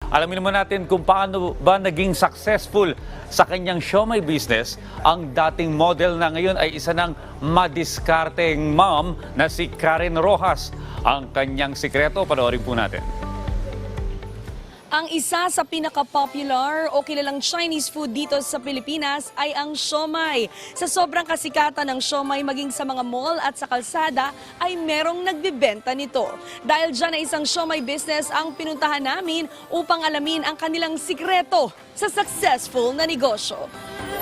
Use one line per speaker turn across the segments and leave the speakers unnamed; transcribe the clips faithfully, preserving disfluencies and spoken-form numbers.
Alamin naman natin kung paano ba naging successful sa kanyang siomai business ang dating model na ngayon ay isa ng madiskarteng mom na si Karen Rojas. Ang kanyang sikreto, panoorin po natin.
Ang isa sa pinaka-popular o kilalang Chinese food dito sa Pilipinas ay ang siomai. Sa sobrang kasikatan ng siomai maging sa mga mall at sa kalsada ay merong nagbibenta nito. Dahil dyan ay isang siomai business ang pinuntahan namin upang alamin ang kanilang sikreto sa successful na negosyo.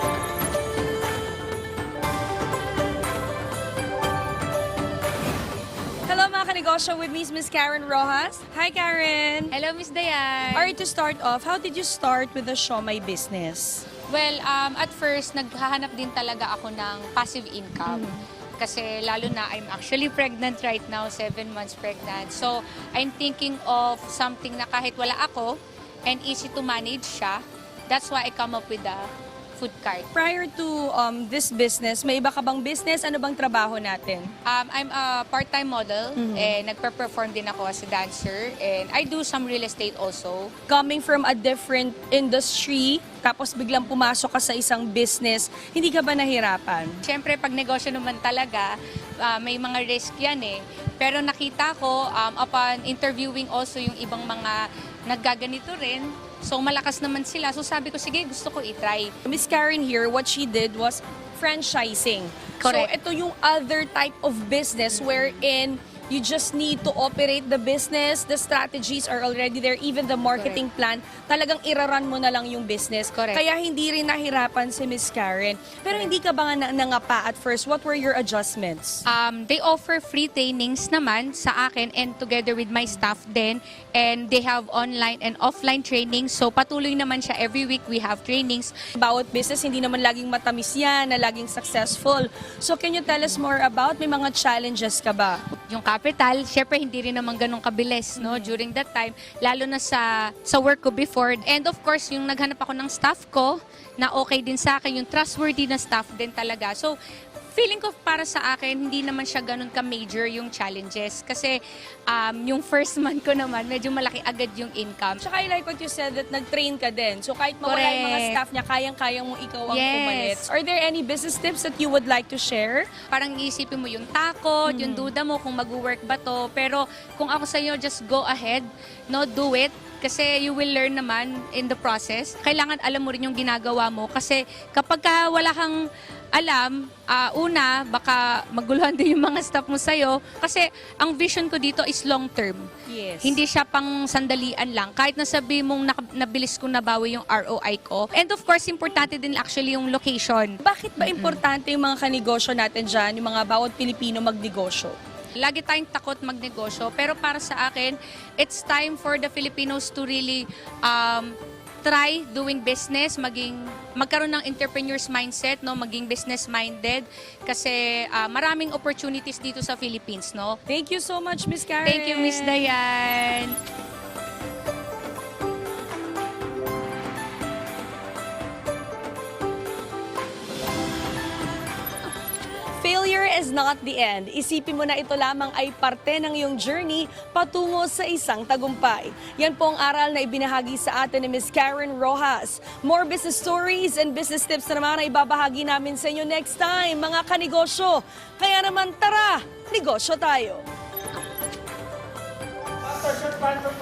Hello mga kanegosyo, with me is Miss Karen Rojas. Hi Karen!
Hello, Miss Dayan.
Alright, to start off, how did you start with the siomai business?
Well, um, at first, naghahanap din talaga ako ng passive income. Kasi lalo na, I'm actually pregnant right now, seven months pregnant. So, I'm thinking of something na kahit wala ako and easy to manage siya. That's why I come up with the food cart.
Prior to um, this business, may iba ka bang business? Ano bang trabaho natin?
Um, I'm a part-time model and nagpe-perform din ako as a dancer. And I do some real estate also.
Coming from a different industry, tapos biglang pumasok ka sa isang business, hindi ka ba nahirapan?
Siyempre, pag negosyo naman talaga, ah, may mga risk yan eh. Pero nakita ko, um, upon interviewing also yung ibang mga naggaganito rin, so malakas naman sila. So sabi ko, sige, gusto ko i-try.
Miss Karen here, what she did was franchising.
Correct.
So ito yung other type of business wherein you just need to operate the business, the strategies are already there, even the marketing plan, talagang iraran mo na lang yung business.
Correct.
Kaya hindi rin nahirapan si Miss Karen. Pero hindi ka ba nga na- nangapa at first? What were your adjustments?
Um, they offer free trainings naman sa akin and together with my staff din. And they have online and offline trainings. So patuloy naman siya. Every week we have trainings.
Bawat business, hindi naman laging matamis yan, na laging successful. So can you tell us more about, may mga challenges ka ba?
Yung capital, syempre hindi rin naman ganun kabilis no during that time, lalo na sa sa work ko before. And of course, yung naghanap ako ng staff ko na okay din sa akin, yung trustworthy na staff din talaga. So, feeling ko para sa akin, hindi naman siya ganun ka-major yung challenges. Kasi um, yung first month ko naman, medyo malaki agad yung income.
Tsaka I like what you said that nag-train ka din. So kahit mawala yung mga
Correct.
staff niya, kayang-kayang mo ikaw ang
Yes.
pumalit. Are there any business tips that you would like to share?
Parang iisipin mo yung takot, yung duda mo kung mag-work ba to. Pero kung ako sa inyo, just go ahead, no, do it. Kasi you will learn naman in the process. Kailangan alam mo rin yung ginagawa mo. Kasi kapag ka wala kang alam, ah, una, baka maguluhan din yung mga staff mo sa'yo. Kasi ang vision ko dito is long term.
Yes.
Hindi siya pang sandalian lang. Kahit nasabi mong nak- nabilis kong nabawi yung R O I ko. And of course, importante din actually yung location.
Bakit ba importante yung mga kanegosyo natin dyan, yung mga bawat Pilipino magnegosyo?
Lagi tayong takot magnegosyo, pero para sa akin, it's time for the Filipinos to really um, try doing business, maging magkaroon ng entrepreneur's mindset, no, maging business minded kasi ah, maraming opportunities dito sa Philippines, no.
Thank you so much, Miss Karen.
Thank you, Miss Dayan.
Failure is not the end. Isipin mo na ito lamang ay parte ng iyong journey patungo sa isang tagumpay. Yan po ang aral na ibinahagi sa atin ni Miss Karen Rojas. More business stories and business tips na naman ay ibabahagi namin sa inyo next time, mga kanegosyo. Kaya naman tara, negosyo tayo!